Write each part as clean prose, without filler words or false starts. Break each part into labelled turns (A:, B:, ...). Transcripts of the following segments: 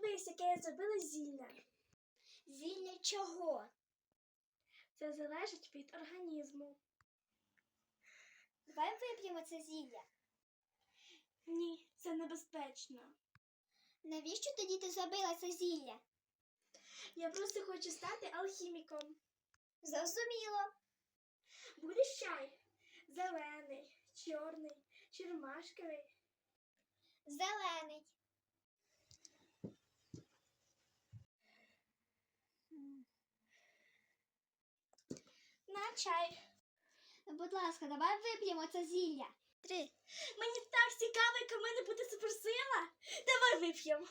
A: Дивись, яке я зробила зілля.
B: Зілля чого?
A: Це залежить від організму.
B: Давай вип'ємо це зілля.
A: Ні, це небезпечно.
B: Навіщо тоді ти зробила це зілля?
A: Я просто хочу стати алхіміком.
B: Зрозуміло.
A: Будеш чай? Зелений, чорний, чи ромашковий?
B: Зелений.
A: На чай.
B: Будь ласка, давай вип'ємо це зілля. 3.
A: Мені так цікаво, яка в мене буде суперсила. Давай вип'ємо.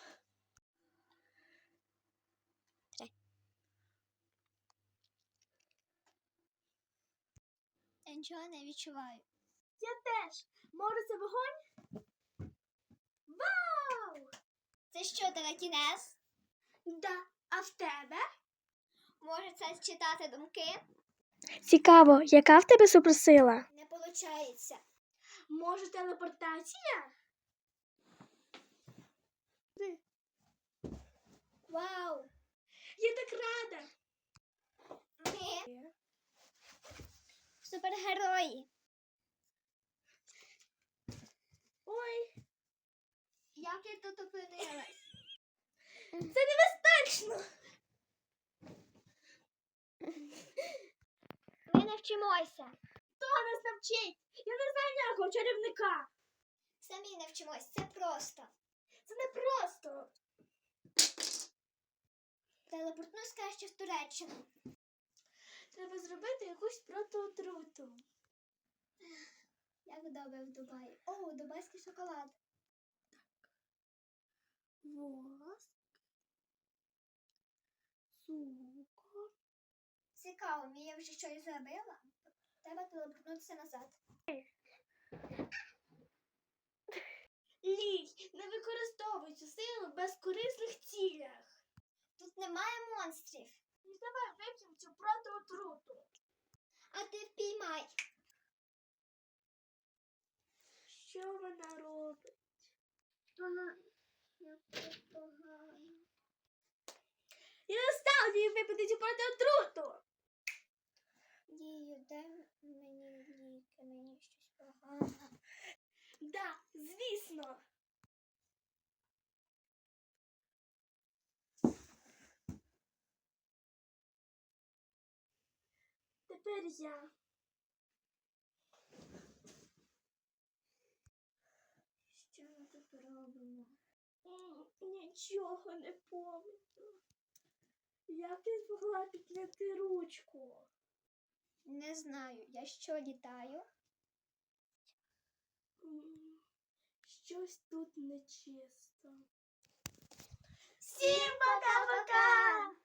B: 3. Я нічого не відчуваю.
A: Я теж. Може, це вогонь? Вау!
B: Це що, телекінез?
A: Да. А в тебе?
B: Може це читати думки?
A: Цікаво, яка в тебе суперсила?
B: Не получається.
A: Може, телепортація?
B: Вау!
A: Я так рада.
B: Ми супергерої.
A: Ой,
B: Як я тут опинилась?
A: це небезпечно.
B: Ми навчимося.
A: Хто нас навчить? Я не знаю ніякого чарівника.
B: Самі навчимось. Це просто.
A: Це не просто.
B: Телепортнусь краще в Туреччину.
A: Треба зробити якусь протиотруту.
B: Як добре в Дубаї. О, дубайський шоколад.
A: Воск. Цукор.
B: Цікаво, Мія вже щось зробила? Треба телепортнутися назад.
A: Лій, не використовуй цю силу в безкорисних цілях.
B: Тут немає монстрів.
A: І давай вип'ємо цю протиотруту.
B: А ти впіймай.
A: Що вона робить?
B: Як це погано.
A: Я не став їй випити цю протиотруту.
B: Дію, дай мені ліки, мені щось погано.
A: Да, звісно. Тепер я.
B: Що ми тут робимо?
A: Нічого не пам'ятаю. Як ти змогла підняти ручку?
B: Не знаю, я що літаю?
A: Щось тут нечисто.
B: Всім пока-пока!